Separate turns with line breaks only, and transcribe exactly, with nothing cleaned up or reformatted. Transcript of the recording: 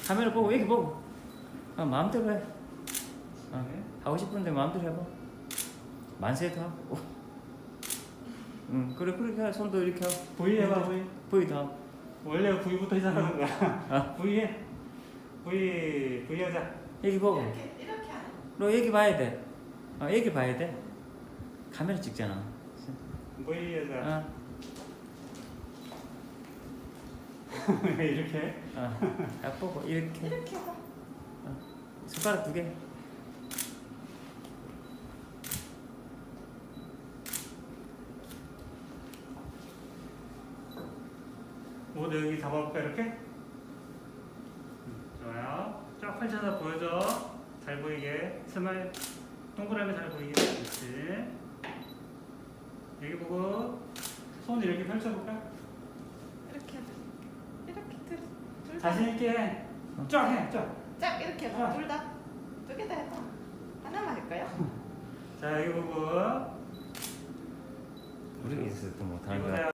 카메라 보고 여기 보고. 어, 마음대로 해. 어,
네.
하고 싶은데 마음대로 해봐. 만세도 하고. 응, 그래 그렇게 해. 손도 이렇게 하고.
V 해봐 V.
V도 하고.
원래 V부터 시작하는 거야.
어.
V 해. V V 하자.
여기 보고.
이렇게 이렇게 하는.
너 여기 봐야 돼. 어, 여기 봐야 돼. 카메라 찍잖아.
V 하자.
어,
왜 이렇게 해?
어, 딱 보고 이렇게.
이렇게 해봐.
어, 손가락 두 개.
모두 여기 잡아볼까 이렇게? 음, 좋아요. 쫙 펼쳐서 보여줘. 잘 보이게. 스마일 동그라미 잘 보이게. 그렇지. 여기 보고 손 이렇게 펼쳐볼까?
이렇게 하자. 이렇게 들. 둘 다.
자신 있게 해. 쫙 해. 쫙.
짝 이렇게 해봐. 둘 다. 두 개 다 해봐. 하나만 할까요?
자 여기 보고.
우리 있어 또 못하는
이거
거야.